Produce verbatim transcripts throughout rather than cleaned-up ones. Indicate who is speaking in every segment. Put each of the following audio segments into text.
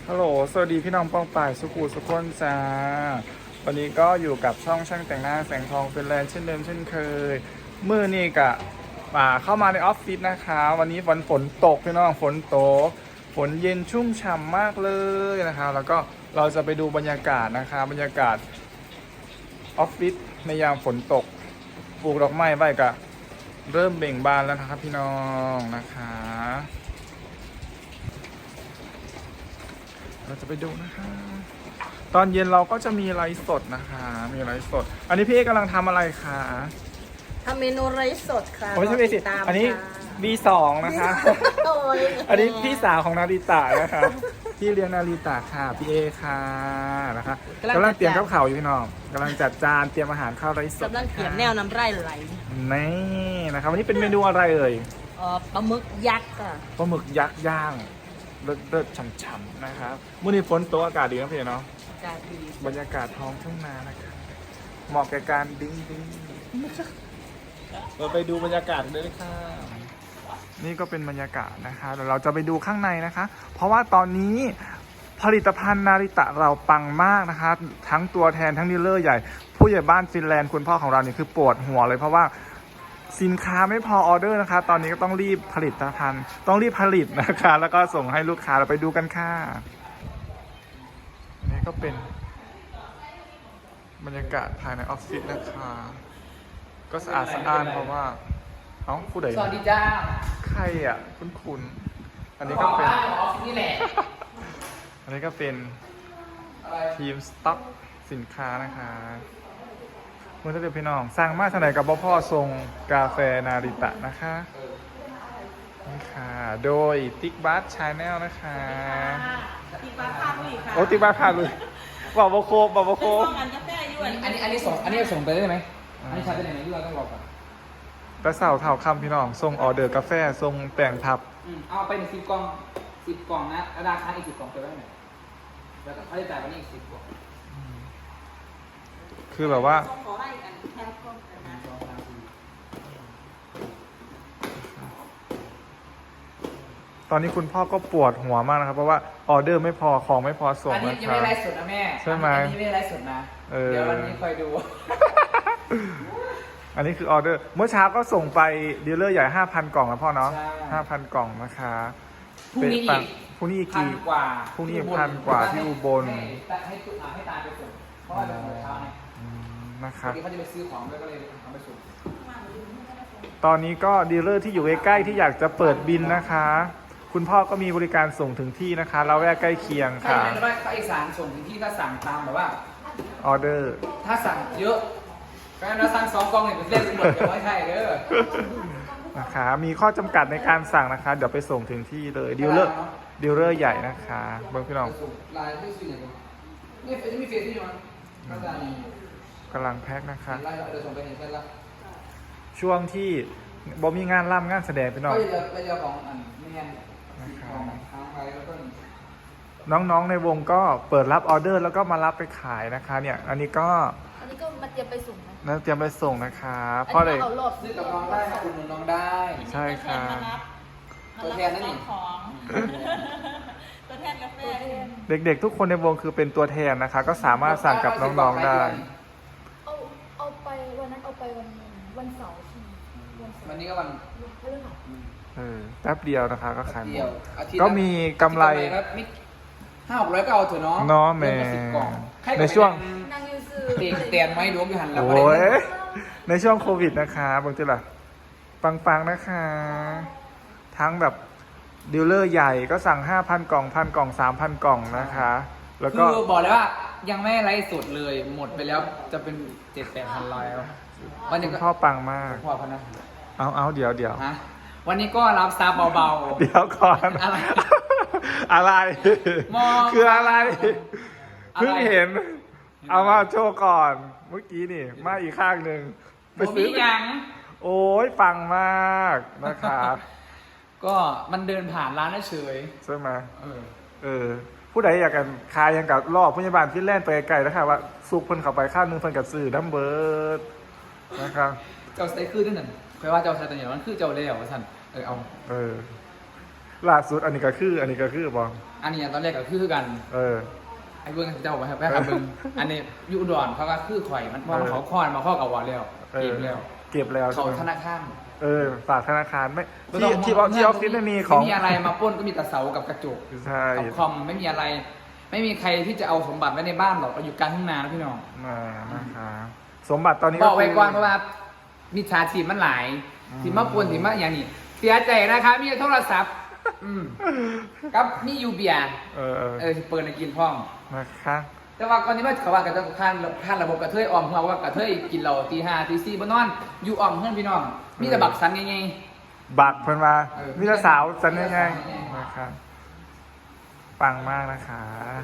Speaker 1: ฮัลโหลสวัสดีพี่น้องป้องป่ายสุขุสุขคนจ้าวันนี้ก็อยู่กับช่องช่างแต่งหน้าแสงทองเป็นแลนด์เช่นเดิมเช่นเคยมือนี่กะป่าเข้ามาในออฟฟิศนะคะวันนี้ฝนฝนตกพี่น้องฝนตกฝนเย็นชุ่มฉ่ำมากเลยนะคะแล้วก็เราจะไปดูบรรยากาศนะคะบรรยากาศออฟฟิศในยามฝนตกปลูกดอกไม้ไว้กะเริ่มเบ่งบานแล้วนะครับพี่น้องนะคะเราจะไปดูนะคะตอนเย็นเราก็จะมีไลฟ์สดนะคะมีไลฟ์สดอันนี้พี่เอกกำลังทำอะไรคะ
Speaker 2: ทำเมนูไรซ์สดค่ะ
Speaker 1: ไม่ใช่เบสิอันนี้ บี สอง นะคะ อันนี้พี่สาวของนาริตะนะคะพี่เลี้ยงนาริตะค่ะพี่เอค่ะนะคะกำลังเตรียมกับข่าวอยู่พี่น้องกำลังจัดจานเตรียมอาหารข้าวไรซ์สด
Speaker 2: กำลังเตรียมแนวน้ำไร่ไหล
Speaker 1: นี่นะครับวันนี้เป็นเมนูอะไรเอ่ย
Speaker 2: เอ่อปลาหมึกยักษ์ค่ะ
Speaker 1: ปลาหมึกยักษ์ย่างเลิศเลิศฉ่ำๆนะครับมื้อนี้ฝนตกอากาศดีนะพี่เนาะ
Speaker 2: อากาศดี
Speaker 1: บรรยากาศท้องทุ่งนานะครับเหมาะแก่การดิ้งดิ้งเราไปดูบรรยากาศเลยค่ะนี่ก็เป็นบรรยากาศนะคะเดี๋ยวเราจะไปดูข้างในนะคะ เพราะว่าตอนนี้ผลิตภัณฑ์นาริตะเราปังมากนะคะทั้งตัวแทนทั้งดีลเลอร์ใหญ่ผู้ใหญ่บ้านฟินแลนด์คุณพ่อของเราเนี่ยคือปวดหัวเลยเพราะว่าสินค้าไม่พอออเดอร์นะคะตอนนี้ก็ต้องรีบผลิตภัณฑ์ต้องรีบผลิตนะคะแล้วก็ส่งให้ลูกค้าเราไปดูกันค่ะนี่ก็เป็นบรรยากาศภายในออฟฟิศนะคะก็สะอาดสะอ้านเพราะว่าเอ้าผู้ใด
Speaker 3: สวัสดีจ้า
Speaker 1: ใครอ่ะคุณคุณอันนี้ก็เป็น
Speaker 3: ออฟฟิศนี่แหละ
Speaker 1: อันนี้ก็เป็นทีมสต็อกสินค้านะคะเมื่อท่านเดียวพี่น้องสร้างมาทางไหนกับพ่อทรงกาแฟนาริตะนะคะนี่ค่ะโดยติ๊กบัสชาแนลนะคะ
Speaker 2: ติ๊กบ้าพาลุยค่ะ
Speaker 1: โอ้ติ๊กบัสพาลุยบอกโบโคบอกโบโค
Speaker 2: งานกาแฟอยู่
Speaker 3: อันนี้อันนี้ส่งอันนี้ส่งไปได้ไหมอันนี้ชาร์จได้ไหมที่เราต้องรอก่อน
Speaker 1: แต่เสาเท่าคำพี่น้องส่งออเดอร์กาแฟส่งแป้งพับ
Speaker 3: เอาไปหนึ่งสิบกล่องสิบกล่องนะราคาอีกสิบกล่องไปไว้ไหนแล้วก็เขาจะจ่ายวันนี้อีกสิบกล่อง
Speaker 1: คือแบบว่า
Speaker 2: ขอไล่กันแค่กล้องกันนะ
Speaker 1: ตอนนี้คุณพ่อก็ปวดหัวมากนะครับเพราะว่าออเดอร์ไม่พอของไม่พอส่ง
Speaker 3: อันนี้
Speaker 1: นะ
Speaker 3: ยัง
Speaker 1: ครั
Speaker 3: ไม่
Speaker 1: บ
Speaker 3: ไลฟ์สดนะแม่
Speaker 1: ใช่ไหม
Speaker 3: อันนี้ไม่ไลฟ์สดนะเดี๋ยววันนี้คอยดู
Speaker 1: อันนี้คือออเดอร์เมื่อเช้าก็ส่งไปดีลเลอร์ใหญ่ ห้าพัน กล่องแล้วพ่อเนาะ ห้าพัน กล่องนะคะ
Speaker 3: พรุ่งนี้อีก
Speaker 1: พรุ่งนี้อีก
Speaker 3: พันกว่า
Speaker 1: พรุ่งนี้อีกพันกว่าที่อุบล
Speaker 3: ให้ให้ให้ตาไปส่งเพราะว่าเดี๋ยวเช้าเนี่ย
Speaker 1: นะครับ
Speaker 3: เขาจะไปซื้อของด้วยก็เลยเอาไปส่ง
Speaker 1: ตอนนี้ก็ดีลเลอร์ที่อยู่ใกล้ๆที่อยากจะเปิดบินนะคะ คุณพ่อก็มีบริการส่งถึงที่นะคะเราแวกใกล้เคียงค่ะ
Speaker 3: ใช่ไหมว่าอีสานส่งถึงที่ถ้าสั่งตามแบบว่า
Speaker 1: ออเดอร์
Speaker 3: ถ้าสั่งเยอะก็เราสั่งสองกล่องเนี่ยเป็นเล่นหมดเดี๋ยวไม่ใช่เด้อ
Speaker 1: นะคะมีข้อจำกัดในการสั่งนะคะเดี๋ยวไปส่งถึงที่เลยดีลเลอร์ดีลเลอร์ใหญ่นะคะเบิ้งพี่น้อง
Speaker 3: ลายไม่ซื้อไหนนี่เฟซมีเฟซที่อยู่มั้งก็จะมี
Speaker 1: กำลังแพ็คนะคะ
Speaker 3: ลายเราจะส่งไปเห็นเส้นละ
Speaker 1: ช่วงที่บอมีงานร่ำงานแสดงพี่น้อง
Speaker 3: ก็จะไปเจอของอันไม่แน่ของทางไปแล้วก็
Speaker 1: น้องๆในวงก็เปิดรับออเดอร์แล้วก็มารับไปขายนะคะเนี่ยอันนี้ก็
Speaker 2: อันนี้ก็มาเตรียมไปส่งนะ
Speaker 1: นั่นเตรียมไปส่งนะคะเพราะเลย
Speaker 3: ซื้อกับน้องได้คุณน้องได้
Speaker 1: ใช่ค่ะ
Speaker 3: ตัวแทนนั่นเอง
Speaker 2: ของตัวแทนกาแฟ
Speaker 1: เด็กๆทุกคนในวงคือเป็นตัวแทนนะคะก็สามารถสั่งกับน้องๆได้
Speaker 2: เอาเอาไปวันนั้นเอาไปวันวันเสาร์ใช่ไหม
Speaker 3: วันนี้ก็วัน
Speaker 2: พฤหัส
Speaker 1: เออแป๊บเดียวนะคะก็ขายหมด
Speaker 3: ก็
Speaker 1: มีกำไร
Speaker 3: ห้าหกร้อยก็เอาเถอะเนาะ
Speaker 1: เนาะแม่ในช่วง
Speaker 3: เตียงเตียนไว้รวมอยู่หันแล้ว
Speaker 1: โอ้ยในช่วงโควิดนะคะบางทีล่ะปังๆนะคะ ทั้งแบบดีลเลอร์ใหญ่ก็สั่ง ห้าพัน กล่องพันกล่อง สามพัน กล่องนะคะแล้วก็
Speaker 3: คือบอกเลยว่ายังไม่ไลฟ์สดเลยหมดไปแล้วจะเป็น เจ็ดแปดพัน แล้ว
Speaker 1: วันนี้พ่อปังมาก
Speaker 3: พ่อพนัก
Speaker 1: เอาเอาเดี๋ยวเดี๋ยว
Speaker 3: วันนี้ก็รับซับเบา
Speaker 1: ๆเดี๋ยวก่อนอะไรอะไรคืออะไรเพิ่งเห็นเอามาโชว์ก่อนเมื่อกี้นี่มาอีกข้างหนึ่ง
Speaker 3: ไปซื้อยัง
Speaker 1: โอ้ยปังมากนะคะ
Speaker 3: ก็มันเดินผ่านร้านเฉย
Speaker 1: ใช่ไหม
Speaker 3: เออ
Speaker 1: เออผู้ใดอยากกันคายยังกับรอบพยาบาลฟินแลนด์ไปไกลแล้วค่ะว่าซุกเพิ่นเข้าไปข้างนึงเพิ่นกับสื่อดัมเบิร์ดนะครับ
Speaker 3: เจ้าไซคือที่หนึ่งแปลว่าเจ้าไซตัวนี้มันคือเจ้าเลี้ยวท่านเออเอา
Speaker 1: เออล่าสุดอันนี้ก็คือ อันนี้ก็คือบอ
Speaker 3: อันนี้ตอนแรกก็คือกัน
Speaker 1: เออ
Speaker 3: ไอ้เบิ้งเจ้าไปครับไปครับเบิ้งอันนี้อยูอุดรเขาก็คือข่อยมันมองเขาคอนมาข้อกับวอลแล้ว
Speaker 1: เออ
Speaker 3: เก็บแล้ว
Speaker 1: เก็บแล้ว
Speaker 3: เขา
Speaker 1: ใช่ไหม
Speaker 3: ธนาคาร
Speaker 1: เออฝากธนาคารไม่
Speaker 3: ไม่
Speaker 1: ที่
Speaker 3: ต้อง
Speaker 1: ที่ออฟที่ออฟฟิศไม่มีของ
Speaker 3: ไม่มีอะไรมาปล้นก็มีแต่เสากับกระจก
Speaker 1: ใช่
Speaker 3: กับคอมไม่มีอะไร ไม่มีใครที่จะเอาสมบัติไว้ในบ้านหรอกเราอยู่กลางทุ่งนานะพี่น้อง
Speaker 1: มานะคะสมบัติตอนนี้
Speaker 3: บอกไว้
Speaker 1: คื
Speaker 3: ก่อนเพราะว่ามิจฉาชีพมันหลาย
Speaker 1: อืม
Speaker 3: ที่มาปวนที่มาอย่างนี้เสียใจนะคะมีโทรศัพท์อืมกับมียูเบียร์
Speaker 1: เออเออ
Speaker 3: เออสิเปิดในกินพร้อม
Speaker 1: นะคะ
Speaker 3: แต่ว่าก่อนนี้ว่าเขาว่ากันจะข้านข้านระบบกระเทยออมหัวว่ากระเทยกินเหล้าตีห้าตีสี่บนนอน อยู่ออมเพื่อนพี่น้อง มีแต่บักสันไง
Speaker 1: บักเพิ่นมา
Speaker 3: เออ
Speaker 1: มีแต่สาวสันยังไง
Speaker 3: มีแต่สาว
Speaker 1: นะคะปังมากนะคะ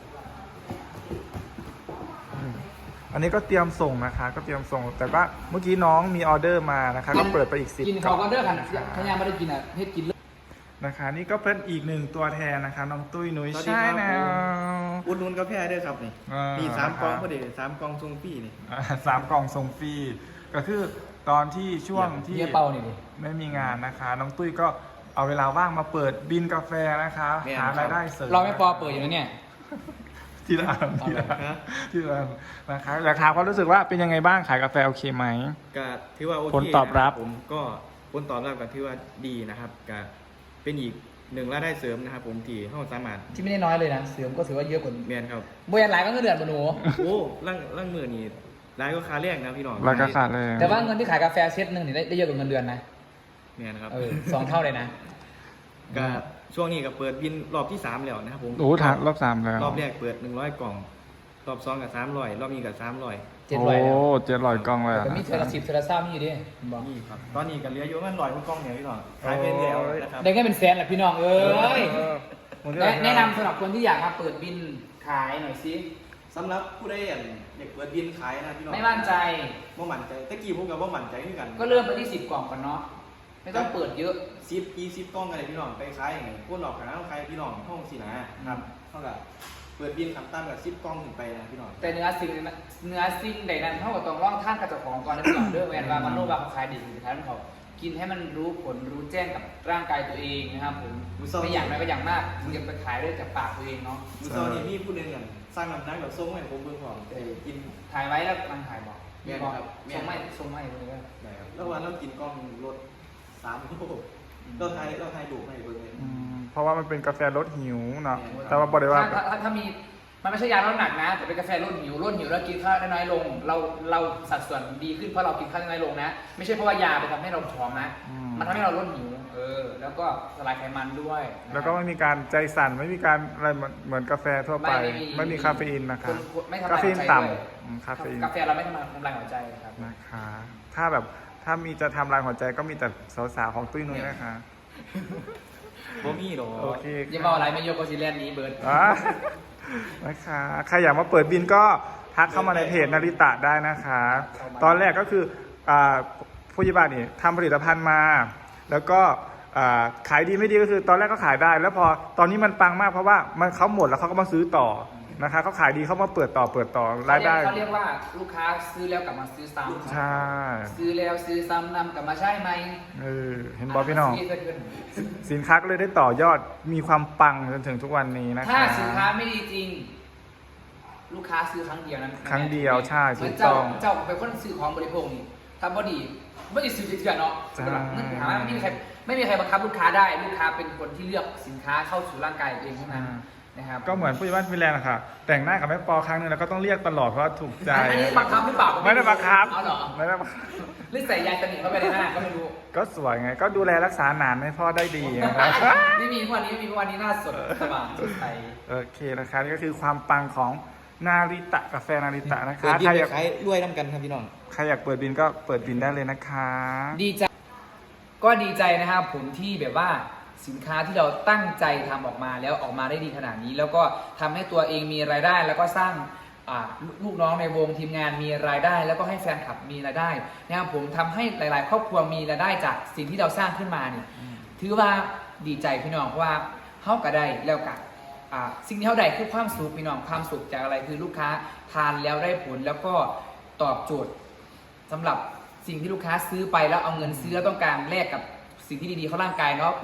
Speaker 1: อืมอันนี้ก็เตรียมส่งนะคะ ก็เตรียมส่ง แต่ว่าเมื่อกี้น้องมีออเดอร์มานะคะ ก็เปิดไปอีกสิบ
Speaker 3: กินเขาก็เด้อกันขยาไม่ได้กินอ่ะเฮ็ดกินเลย
Speaker 1: นะคะ นี่ก็เป็นอีกหนึ่งตัวแทนนะคะ น้องตุ้ยนุ้ย
Speaker 4: สวัสดี
Speaker 1: ใช่
Speaker 4: ครับ
Speaker 1: แล้
Speaker 4: ผม
Speaker 1: ว
Speaker 4: อุดหนุนกาแฟด้วยครับนี่
Speaker 1: อ่ามี
Speaker 4: มีสามกล่อง
Speaker 1: นะครับ
Speaker 4: พอดีสามกล่องทรงฟรีนี่
Speaker 1: อ่าสามกล่องส่งฟรีก็คือตอนที่ช่วงที่
Speaker 3: เฮียเป่านี่ดิ
Speaker 1: ไม่มีงานนะคะ น้องตุ้ยก็เอาเวลาว่างมาเปิดบินกาแฟนะคะ
Speaker 4: แม่น
Speaker 1: หารายได้เสริม
Speaker 3: เราไม่ปอเปิดอยู่นะเนี่ย
Speaker 1: ที่ร้านที่ร้าน
Speaker 4: ฮะ
Speaker 1: ที่ร้านนะคะอยากถามความรู้สึกว่าเป็นยังไงบ้างขายกาแฟโอเคไหม
Speaker 4: ก็ถือว่าโอเค
Speaker 1: ผลตอบรับ
Speaker 4: นะผมก็ผลตอบรับก็ถือว่าดีนะครับก็เป็นอีกหนึ่งรายได้เสริมนะครับผมที่ห้องสามารถ
Speaker 3: ที่ไม่ได้น้อยเลยนะเสริมก็ถือว่าเยอะกว่า
Speaker 4: เมียนครับ
Speaker 3: บริษัทหลายก็เงินเดือนมาหนู
Speaker 4: โอ้ร่างร่างมือนี่รายก็คาแรกนะพี่น้อง
Speaker 1: ราคาขาดเลย
Speaker 3: แต่ว่าเงินที่ขายกาแฟเซตหนึ่งนี่ได้ได้เยอะกว่าเงินเดือนนะ
Speaker 4: เมียนครับ
Speaker 3: เออสองเท่าเลยนะ
Speaker 4: ก็ช่วงนี้ก็เปิดบินรอบที่สามแล้วนะครับผม
Speaker 1: โอ้ถามรอบสามแล้ว
Speaker 4: รอบแรกเปิดหนึ่งร้อยกล่องรอบสองกับสามร้อยรอบนี้กับสามร้อย
Speaker 3: เจ็ด
Speaker 1: โอ้
Speaker 3: ร้อยแล้ว
Speaker 1: เจ็ดร้อยกล่องเลยอะ
Speaker 3: แต่มีเทอละสิบเทอละเศร้ามีอยู่ดิบอก
Speaker 4: นี่ครับตอนนี้ก็เหลืออยู่ประมันร้อยกล่องเนี่ยพี่น้องขายไปแล้วนะครับ
Speaker 3: ได้แค่เป็นแสนแหละพี่น้องเอ้ย
Speaker 1: เออผมจะ
Speaker 3: แนะแนะนำสำหรับคนที่อยากมาเปิดบินขายหน่อยสิ
Speaker 4: สำหรับผู้ใดอยากอยากเปิดบินขายนะพี่น้อง
Speaker 3: ไม่มั่นใจ
Speaker 4: ว่ามั่นใจตะกี้ผมกับว่ามั่นใจเหมือนกัน
Speaker 3: ก็เริ่มไปที่สิบกล่องก่อนเนาะไม่ต้องเปิดเยอะ
Speaker 4: ซิปยี่สิบกล้องอะไรพี่น้องไปขายอย่างไงพวกหลอกขายต้องขายพี่น้องห้องสินะครับเท่ากับเปิดบินขับตามกับซิปกล้องถึงไปนะพี่น้อง
Speaker 3: แต่เนื้อสิ่งนั้นเนื้อสิ่งใดนั้นเท่ากับต้องร่องท่านกระจกของก่อนนะพี่น้องเด้อแวนว่ามันโนบาเขาขายดีสุดท้ายมันเขากินให้มันรู้ผลรู้แจ้งกับร่างกายตัวเองนะครับผมไม่อย่างไรก็อย่างมากมึงจะไปขายด้วยจากปากตัวเองเนาะ
Speaker 4: มือซอนี่มีผู้หนึ่งอย่างสร้างน้ำหนักแบบทรงให้ผมเบิ่งก่อนแต่กิน
Speaker 3: ถ่ายไว้แล้วมันถ่ายบอก
Speaker 4: แม่นครับแม่น
Speaker 3: ส่งไม่ส่งไม่เลยว่า
Speaker 4: ได้ครับแล้ววันเรากินกล้องรถสามโลเราไทยเราไทยดูให้เบิ่งเลย
Speaker 1: อืมเพราะว่ามันเป็นกาแฟลดหิวเนาะ
Speaker 4: แม่น
Speaker 1: แต่ว่าบอกเลยว่า
Speaker 3: ถ้าถ้าถ้ามีมันไม่ใช่ยาลดน้ำหนักนะ แต่เป็นกาแฟลดหิวลดหิวแล้วกินข้าวได้น้อยลง เราเราสัดส่วนดีขึ้นเพราะเรากินข้าวได้น้อยลงนะ ไม่ใช่เพราะว่ายาไปทำให้เราผอมนะ
Speaker 1: อืม
Speaker 3: มันทำให้เราลดหิวเออ แล้วก็สลายไขมันด้วยนะครับ
Speaker 1: แล้วก็ไม่มีการใจสั่นไม่มีการอะไรเหมือนเหมือนกาแฟทั่วไป
Speaker 3: ไม่มี
Speaker 1: ไม่มีคาเฟอีนนะคะ
Speaker 3: ณณไม่ทำ
Speaker 1: คา
Speaker 3: ลาย
Speaker 1: เฟ
Speaker 3: หั
Speaker 1: อี
Speaker 3: วน ใจด้วย
Speaker 1: ต่ำอืมคาเฟอีน
Speaker 3: กาแฟเราไม่ทำลายทำลายหัวใจนะครับ
Speaker 1: นะคะ ถ้าแบบถ้ามีจะทำลายหัวใจก็มีแต่สาวๆของตุ้ยนุ้ยนะคะ
Speaker 4: บ่มีหรอก
Speaker 1: โอเค
Speaker 3: อย่ามาอะไรไม่โยกโกซิเลนนี้เบิร์ด
Speaker 1: อ่ะนะคะใครอยากมาเปิดบินก็ทักเข้ามาในเพจนาริตะได้นะคะ ตอนแรกก็คืออ่าผู้ยิบาลนี่ทำผลิตภัณฑ์มา แล้วก็อ่าขายดีไม่ดีก็คือตอนแรกก็ขายได้ แล้วพอตอนนี้มันปังมากเพราะว่ามันเขาหมดแล้วเขาก็มาซื้อต่อนะคะเขาขายดีเขามาเปิดต่อเปิดต่อรายได้
Speaker 3: เขาเรียกว่าลูกค้าซื้อแล้วกลับมาซื้อซ้ำ
Speaker 1: ใช่
Speaker 3: ซื้อแล้วซื้อซ้ำนำกลับมาใช่ไหม
Speaker 1: เออเห็นบอพี่น้อง
Speaker 3: ซื้เกิน
Speaker 1: สินค้าก็เลยได้ต่อยอดมีความปังจนถึงทุกวันนี้นะคะ
Speaker 3: ถ้าสินค้าไม่ดีจริง ลูกค้าซื้อครั้งเดียวนั้น
Speaker 1: ครั้งเดียวใช่
Speaker 3: เหมือน
Speaker 1: ถูกต้
Speaker 3: เจ้า
Speaker 1: อง
Speaker 3: เจ้าเป็นคนซื้อของบริโภคนี่ถ้าพอดีไม่ได้ซื้อเถื่อนๆเนาะ
Speaker 1: ใช่
Speaker 3: เงินหาไม่มีใครไม่มีใครบังคับลูกค้าได้ ลูกค้าเป็นคนที่เลือกสินค้าเข้าสู่ร่างกายตัวเองเท่านั้นนะครับ
Speaker 1: ก็เหมือนผู้ใหญ่บ้านฟินแลนด์อะค่ะ แต่งหน้ากับแม่ปอครั้งหนึงแล้วก็ต้องเรียกตลอดเพราะว่าถูกใจ
Speaker 3: อันนี้บังคับหรือเปล่า
Speaker 1: ไม่ได้บังคับ
Speaker 3: เอาเหรอ
Speaker 1: ไม่ได้บังคับ
Speaker 3: หรือใส่ยาสนิทเข้าไปในหน้าก็ไม่รู้
Speaker 1: ก็สวยไง ก็ดูแลรักษาหนานให้พ่อได้ดีนะครับ
Speaker 3: ไม่มีทุกวันนี้ไม่มีทุกวันนี้หน้าสดสว่างสดใส
Speaker 1: โอเคนะคะนี่ก็คือความปังของนาริตะกาแฟนาริตะนะคะ
Speaker 4: เปิดบิน
Speaker 1: ใคร
Speaker 4: ไป
Speaker 1: อยาก
Speaker 4: ขายรวยน้ำกันครับพี่น้อง
Speaker 1: ใครอยากเปิดบินก็เปิดบินได้เลยนะคะ
Speaker 3: ดีใจก็ดีใจนะครับผมที่แบบว่าสินค้าที่เราตั้งใจทำออกมาแล้วออกมาได้ดีขนาดนี้ แล้วก็ทำให้ตัวเองมีรายได้ แล้วก็สร้างอ่าลูกน้องในวงทีมงานมีรายได้ แล้วก็ให้แฟนคลับมีรายได้นะครับผมทำให้หลาย ๆ ครอบครัวมีรายได้จากสิ่งที่เราสร้างขึ้นมาเนี่ยถือว่าดีใจพี่น้องเพราะว่าเฮาก็ได้แล้วกันอ่าสิ่งที่เฮาได้คือความสุขพี่น้องความสุขจากอะไรคือลูกค้าทานแล้วได้ผลแล้วก็ตอบโจทย์สำหรับสิ่งที่ลูกค้าซื้อไปแล้วเอาเงินซื้อแล้วต้องการแลกกับสิ่งที่ดีๆเข้าร่างกายเนาะปุ๊บ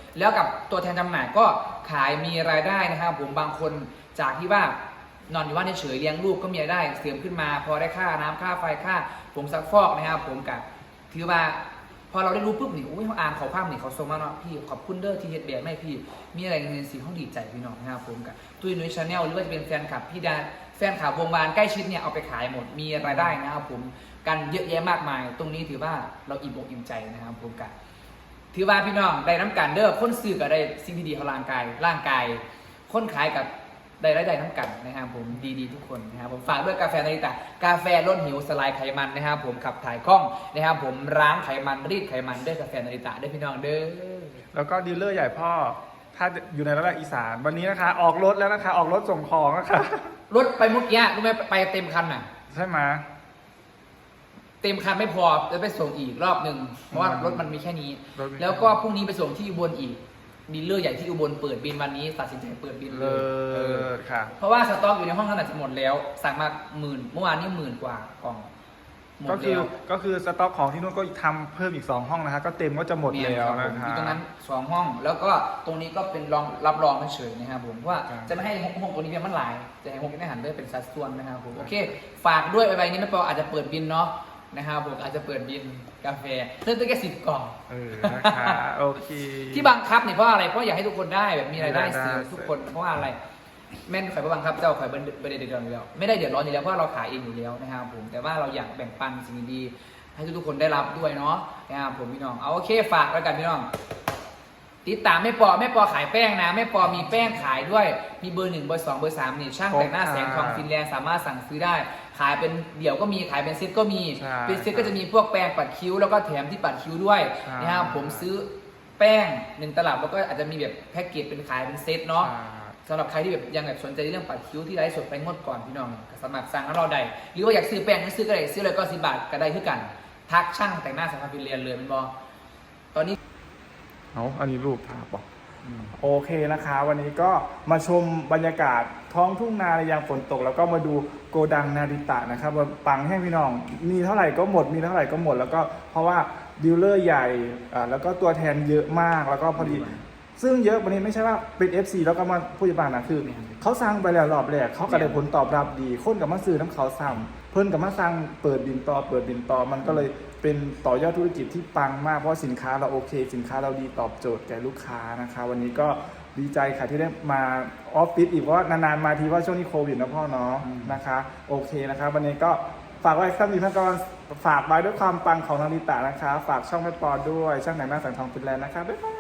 Speaker 3: แล้วกับตัวแทนจำหน่ายก็ขายมีรายได้นะครับผมบางคนจากที่ว่านอนอยู่บ้านเฉยๆเลี้ยงลูกก็มีรายได้เสริมขึ้นมา พอได้ค่าน้ำค่าไฟค่าผงซักฟอกนะครับผมกับถือว่าพอเราได้รู้ปุ๊บนี่อุ้ยเขาอ่านเขาภาพนี่เขาส่งมาเนาะพี่ขอบคุณเด้อที่เฮ็ดแบบให้พี่มีอะไรเงินสีห้องดีใจพี่น้องนะครับผมกับตุ้ยนุ้ยชาแนลหรือว่าจะเป็นแฟนคลับพี่ดาแฟนข่าววงบานใกล้ชิดเนี่ยเอาไปขายหมดมีรายได้นะครับผมกันเยอะแยะมากมายตรงนี้ถือว่าเราอิ่มอกอิ่มใจนะครับผมกันถือว่าพี่น้องได้น้ำกันเด้อคนซื้อก็ได้สิ่งที่ดีของร่างกายร่างกายคนขายกับได้รายได้น้ำกันนะครับผมดีๆทุกคนนะครับผมฝากด้วยกาแฟนาริตะกาแฟลดหิวสลายไขมันนะครับผมขับถ่ายคล่องนะครับผมล้างไขมันรีดไขมันด้วยกาแฟนาริตะด้วยพี่น้องเด้อ
Speaker 1: แล้วก็ดีลเลอร์ใหญ่พ่อถ้าอยู่ในระดับอีสานวันนี้นะคะ ออกรถแล้วนะคะ ออกรถส่งของนะคะ
Speaker 3: รถไปเมื่อกี้รู้ไหมไปเต็มคันน่ะ
Speaker 1: ใช่ไหม
Speaker 3: เต็มคันไม่พอจะไปส่งอีกรอบหนึ่งเพราะว่ารถมันมีแค่นี้
Speaker 1: รถมีแค่นี้
Speaker 3: แล้วก็พรุ่งนี้ไปส่งที่อุบลอีกดีลเลอร์ใหญ่ที่อุบลเปิดบินวันนี้ตัดสินใจเปิดบินเล
Speaker 1: เลิ
Speaker 3: ยเออ
Speaker 1: ศค่ะ
Speaker 3: เพราะว่าสต็อกอยู่ในห้องนั้นอาจจะหมดแล้ว สั่งมาหมื่นเมื่อวานนี้หมื่นกว่ากล่องหม
Speaker 1: ก็
Speaker 3: ด
Speaker 1: คือ
Speaker 3: แล้ว
Speaker 1: ก็คือสต็อกของที่นู่นก็ทำเพิ่มอีกสองห้องนะคะ ก็เต็มก็จะหมดแล้ว
Speaker 3: ครับ
Speaker 1: นะ
Speaker 3: ผม
Speaker 1: คะ
Speaker 3: มีตรงนั้นสองห้อง แล้วก็ตรงนี้ก็เป็นรองรับรองเฉยๆนะครับผมว่า
Speaker 1: ครับ
Speaker 3: จะไม่ให้ห้องห้องตรงนี้เป็นมันหลายจะให้ห้องนี้หันด้วยเป็นสัดส่วนนะครับผมโอเค ฝากด้วยใบนี้ไม่พออาจจะเปิดบินเนาะนะครับผมอาจจะเปิดบินกาแฟเริ่มต้นแค่สิบกล่อง
Speaker 1: เออนะคะโอเค
Speaker 3: ที่บังคับเนี่ยเพราะอะไรเพราะอยากให้ทุกคนได้แบบมีรายได้
Speaker 1: มีรายได้
Speaker 3: เสริมทุกคนเพราะว่าอะไรแม่นข่อยบ่บังคับเจ้าข่อยไม่ได้เดือดร้อนอยู่แล้วไม่ได้เดือดร้อนอยู่แล้วเพราะเราขายเองอยู่แล้วนะครับผมแต่ว่าเราอยากแบ่งปันสิ่งดีๆให้ทุกๆคนได้รับด้วยเนาะนะครับผมพี่น้องเอาโอเคฝากแล้วกันพี่น้องติดตามแม่ปอแม่ปอขายแป้งนะแม่ปอมีแป้งขายด้วยมีเบอร์หนึ่งเบอร์สองเบอร์สามนี่ช่างแต่งหน้าแสงทองฟินแลนด์สามารถสั่งซื้อได้ขายเป็นเดี่ยวก็มีขายเป็นเซ็ตก็มี
Speaker 1: ใช่
Speaker 3: เป็นเซ็ตก็จะมีพวกแป้งปัดคิ้วแล้วก็แถมที่ปัดคิ้วด้วย
Speaker 1: ใช่
Speaker 3: นะครับผมซื้อแป้งหนึ่งตลับแล้วก็อาจจะมีแบบแพ็กเกจเป็นขายเป็นเซ็ตเนาะสำหรับใครที่แบบยังแบบสนใจในเรื่องปัดคิ้วที่ไลฟ์สดไปงดก่อนพี่น้องสมัครสั่งแล้วเราได้หรือว่าอยากซื้อแป้งก็ซื้อก็ได้ซื้อเลยก็สิบบาทก็ได้คือกันทักช่างแต่งหน้าสามารถฟินแลนด์เลยเป็นบอตอนนี้
Speaker 1: เอาอันนี้รูปภาพบอกโอเคนะคะ วันนี้ก็มาชมบรรยากาศท้องทุ่งนาในยามฝนตก แล้วก็มาดูโกดังนาริตะนะครับว่าปังให้พี่น้องมีเท่าไหร่ก็หมดมีเท่าไหร่ก็หมดแล้วก็เพราะว่าดีลเลอร์ใหญ่อ่าแล้วก็ตัวแทนเยอะมากแล้วก็พอดี ซึ่งเยอะวันนี้ไม่ใช่ว่าเป็น เอฟ ซี แล้วก็มาผู้จัดการนะคือเขาสั่งไปแล้วรอบแรกเขาก็ได้ผลตอบรับดีคนกับมาซื้อน้ำเขาสั่งเพิ่นกับมาสั่งเปิดบินต่อเปิดบินต่อมันก็เลยเป็นต่อยอดธุรกิจที่ปังมากเพราะสินค้าเราโอเค สินค้าเราดีตอบโจทย์แก่ลูกค้านะคะวันนี้ก็ดีใจค่ะที่ได้มาออฟฟิศอีกเพราะว่านานๆมาทีว่าช่วงนี้โควิดนะพ่อเนาะนะคะโอเคนะคะวันนี้ก็ฝากไว้สักนิดท่านก็ฝากไว้ด้วยความปังของนาริตะนะคะฝากช่องแม่ปอด้วยช่างแต่งหน้าแสงทองฟินแลนด์นะคะบ๊ายบาย